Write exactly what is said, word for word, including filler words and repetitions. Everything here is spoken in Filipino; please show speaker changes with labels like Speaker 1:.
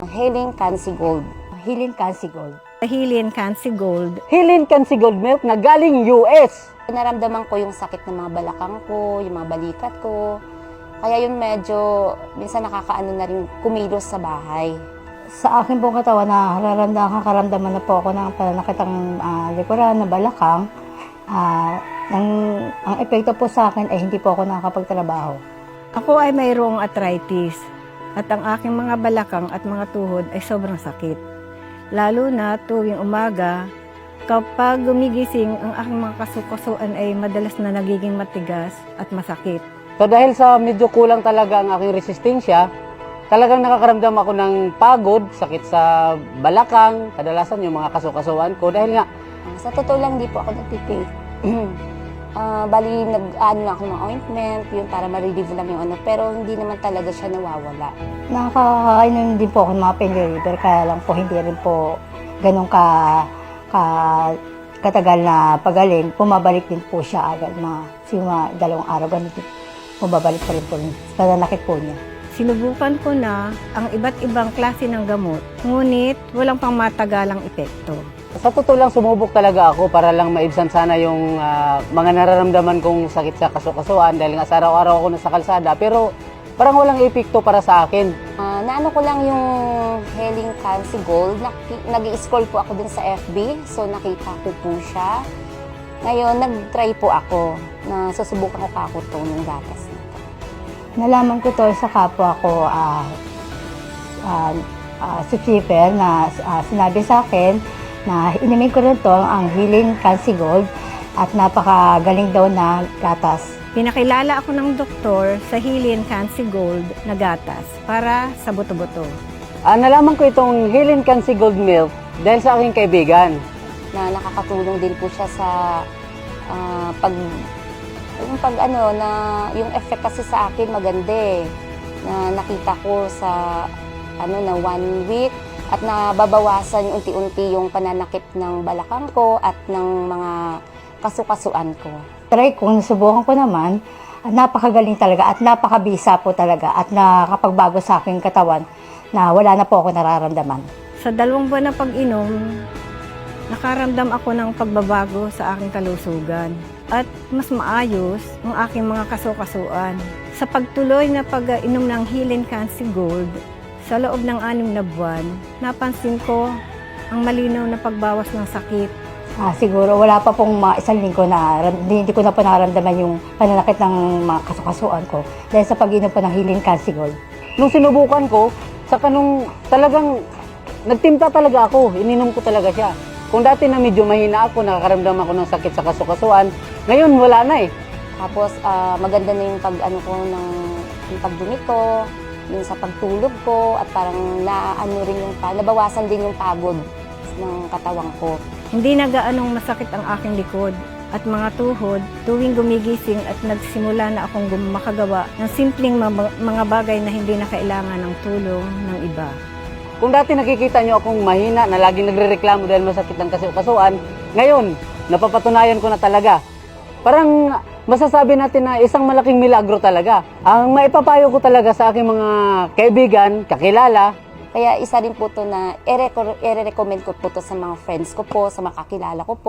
Speaker 1: Healing Cancy Gold.
Speaker 2: Healing Cancy Gold.
Speaker 3: Healing Cancy Gold.
Speaker 4: Healing Cancy Gold Milk na galing U S.
Speaker 1: Naramdaman ko yung sakit ng mga balakang ko, yung mga balikat ko. Kaya yun medyo, minsan nakakaano na rin kumilos sa bahay.
Speaker 2: Sa akin pong katawan na nararamdaman, karamdaman na po ako ng pananakitang uh, likuran na balakang. Uh, ang, ang epekto po sa akin ay hindi po ako nakakapagtrabaho.
Speaker 3: Ako ay mayroong arthritis at ang aking mga balakang at mga tuhod ay sobrang sakit. Lalo na tuwing umaga, kapag gumigising, ang aking mga kasukasuan ay madalas na nagiging matigas at masakit.
Speaker 4: So dahil sa medyo kulang talaga ang aking resistensya, talagang nakakaramdam ako ng pagod, sakit sa balakang, kadalasan yung mga kasukasuan ko dahil nga
Speaker 1: Sa totoo lang, di po ako nagtitake. uh, bali, nag-ano lang ako ng ointment, yun para ma-relieve lang yung ano, pero hindi naman talaga siya nawawala.
Speaker 2: Nakakainom din po ako ng mga pain reliever, kaya lang po hindi rin po ganun ka, ka katagal na pagaling. Pumabalik din po siya agad, mga, mga dalawang araw, ganun din. Pumabalik pa rin po rin, nananakit po niya.
Speaker 3: Sinubukan ko na ang iba't ibang klase ng gamot, ngunit walang pangmatagalang epekto.
Speaker 4: sa totoo lang sumubok talaga ako para lang maibsan sana yung uh, mga nararamdaman kong sakit sa kasukasuan dahil nga sa araw-araw ako nasa kalsada pero parang walang epekto para sa akin.
Speaker 1: Uh, naano ko lang yung Healing Cancy Gold. Nag-i-scroll po ako dun sa F B, so nakita ko po siya. Ngayon, nag-try po ako na susubukan ko kako to ng gatas na to.
Speaker 2: Nalaman ko to sa kapwa ko, uh, uh, uh, subscriber na uh, sinabi sa akin na inimin ko rin to ang Healing Cancy Gold at napakagaling daw na gatas.
Speaker 3: Pinakilala ako ng doktor sa Healing Cancy Gold na gatas para sa buto-buto.
Speaker 4: Uh, nalaman ko itong Healing Cancy Gold Milk dahil sa aking kaibigan.
Speaker 1: Na nakakatulong din po siya sa uh, pag yung pag ano na yung effect kasi sa akin maganda eh. Na nakita ko sa ano na one week at nababawasan yung unti-unti yung pananakit ng balakang ko at ng mga kasukasuan ko.
Speaker 2: Try ko, nasubukan ko naman, at napakagaling talaga at napakabisa po talaga at nakapagbago sa aking katawan na wala na po ako nararamdaman.
Speaker 3: Sa dalawang buwan na pag-inom, nakaramdam ako ng pagbabago sa aking kalusugan at mas maayos ang aking mga kasukasuan. Sa pagtuloy na pag-inom ng Healing Cancy Gold, sa loob ng anim na buwan, napansin ko ang malinaw na pagbawas ng sakit.
Speaker 2: Ah, siguro wala pa pong mga isang linggo na hindi, hindi ko na po nararamdaman yung pananakit ng mga kasukasuan ko dahil sa pag-inom po ng Healing Cancy Gold.
Speaker 4: Nung sinubukan ko, saka nung talagang nagtimpla talaga ako, ininom ko talaga siya. Kung dati na medyo mahina ako, nakakaramdam ako ng sakit sa kasukasuan, ngayon wala na eh.
Speaker 1: Tapos uh, maganda na yung pag ano ko ng yung pagdumi ko, yung sa pagtulog ko at parang naano rin yung nabawasan din yung pagod ng katawan ko.
Speaker 3: Hindi na gaanong masakit ang aking likod at mga tuhod tuwing gumigising at nagsimula na akong makagawa ng simpleng mga bagay na hindi na kailangan ng tulong ng iba.
Speaker 4: Kung dati nakikita nyo akong mahina na laging nagrereklamo dahil masakit ang kasukasuan, ngayon, napapatunayan ko na talaga. Parang masasabi natin na isang malaking milagro talaga. Ang maipapayo ko talaga sa aking mga kaibigan, kakilala,
Speaker 1: Kaya isa rin po to na i-recommend ko po to sa mga friends ko po, sa mga kakilala ko po.